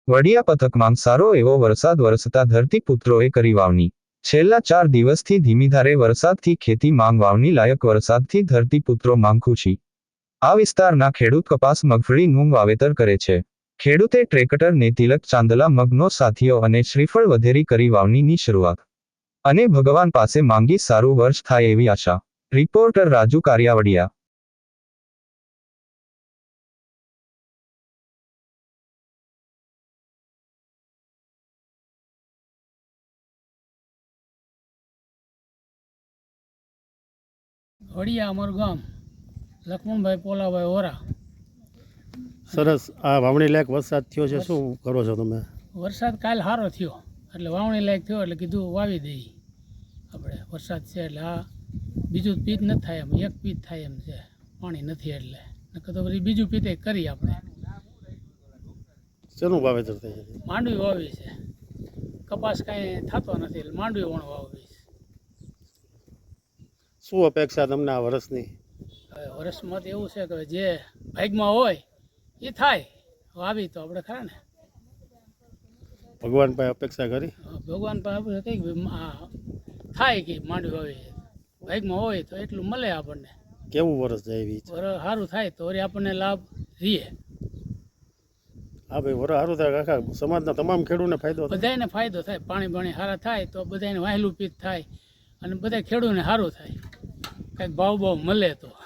વડિયા પથકમાં સારો એવો વરસાદ વરસતા ધરતીપુત્રોએ કરી વાવણી। છેલ્લા 4 દિવસથી ધીમીધારે વરસાદથી ખેતી માંગ વાવણી લાયક વરસાદથી ધરતીપુત્રો માંગ ખુશી। આ વિસ્તારના ખેડૂત કપાસ મગફળીનું વાવેતર કરે છે। ખેડૂતે ટ્રેક્ટર ને તિલક ચાંદલા મગનો સાથીઓ અને શ્રીફળ વધેરી કરી વાવણીની શરૂઆત અને ભગવાન પાસે માંગી સારું વર્ષ થાય એવી આશા। રિપોર્ટર રાજુ કારિયાવડિયા। વડિયા અમારું ગામ લક્ષ્મણભાઈ પોલાભાઈ ઓરા। સરસ। આ વાવણી લાયક વરસાદ થયો છે, શું કરો છો તમે? વરસાદ કાલ સારો થયો એટલે વાવણી લાયક થયો એટલે કીધું વાવી દઈએ આપણે। વરસાદ છે એટલે આ બીજું પીત નથી થાય એમ, એક પીત થાય એમ છે, પાણી નથી એટલે નકર તો પછી બીજું પીતે કરી આપણે। શેનું વાવેતર થાય છે? માંડવી વાવી છે, કપાસ કાંઈ થતો નથી એટલે માંડવી વણ વાવી છે। શું અપેક્ષા તમને આ વર્ષની? હવે વર્ષમાં તો એવું છે કે જે ભાગમાં હોય એ થાય, વાવી તો આપણે ખરા ને। ભગવાન પાસે અપેક્ષા કરી? ભગવાન પાસે આપણે કંઈક થાય કે માંડવી વાવી ભાગમાં હોય તો એટલું મળે આપણને। કેવું વર્ષ જાય એવી છે? સારું થાય તો વળી આપણને લાભ રહીએ। હા ભાઈ, વર સારું થાય આખા સમાજના તમામ ખેડૂતને ફાયદો થાય। બધાને ફાયદો થાય, પાણી બાણી સારા થાય તો બધાને વહેલું પીત થાય અને બધા ખેડૂતને સારું થાય, કંઈક ભાવ મળે તો।